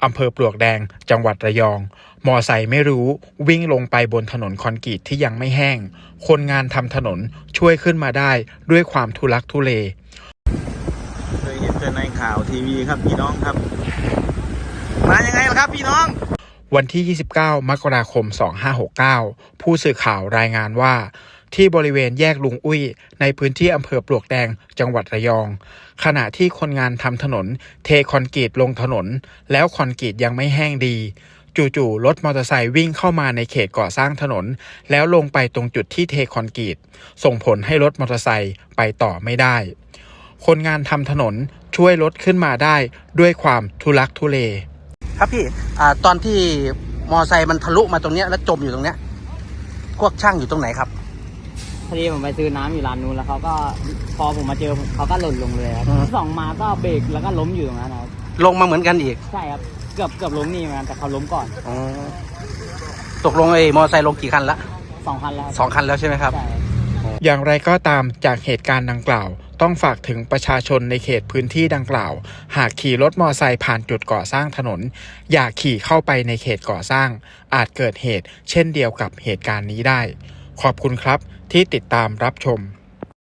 อำเภอปลวกแดงจังหวัดระยองมอไซค์ไม่รู้วิ่งลงไปบนถนนคอนกรีตที่ยังไม่แห้งคนงานทำถนนช่วยขึ้นมาได้ด้วยความทุลักทุเลเคยเห็นแต่ในข่าวทีวีครับพี่น้องครับมายังไงล่ะครับพี่น้องวันที่ 29 มกราคม 2569 ผู้สื่อข่าวรายงานว่าที่บริเวณแยกลุงอุ้ยในพื้นที่อำเภอปลวกแดงจังหวัดระยองขณะที่คนงานทำถนนเทคอนกรีตลงถนนแล้วคอนกรีตยังไม่แห้งดีจู่ๆรถมอเตอร์ไซค์วิ่งเข้ามาในเขตก่อสร้างถนนแล้วลงไปตรงจุดที่เทคอนกรีตส่งผลให้รถมอเตอร์ไซค์ไปต่อไม่ได้คนงานทำถนนช่วยรถขึ้นมาได้ด้วยความทุลักทุเลครับพี่ตอนที่มอไซค์มันทะลุมาตรงเนี้ยแล้วจมอยู่ตรงเนี้ยพวกช่างอยู่ตรงไหนครับพอดีผมไปซื้อน้ำอยู่ร้านนู้นแล้วเขาก็พอผมมาเจอเขาก็หล่นลงเลยครับส่องมาก็เบรกแล้วก็ล้มอยู่ตรงนั้นครับลงมาเหมือนกันอีกใช่ครับเกือบล้มนี่เหมือนกันแต่เขาล้มก่อนตกลงไอ้มอไซค์ลงกี่คันละ 2 คันแล้ว 2 คันแล้วใช่ไหมครับอย่างไรก็ตามจากเหตุการณ์ดังกล่าวต้องฝากถึงประชาชนในเขตพื้นที่ดังกล่าวหากขี่รถมอไซค์ผ่านจุดก่อสร้างถนนอย่าขี่เข้าไปในเขตก่อสร้างอาจเกิดเหตุเช่นเดียวกับเหตุการณ์นี้ได้ขอบคุณครับที่ติดตามรับชม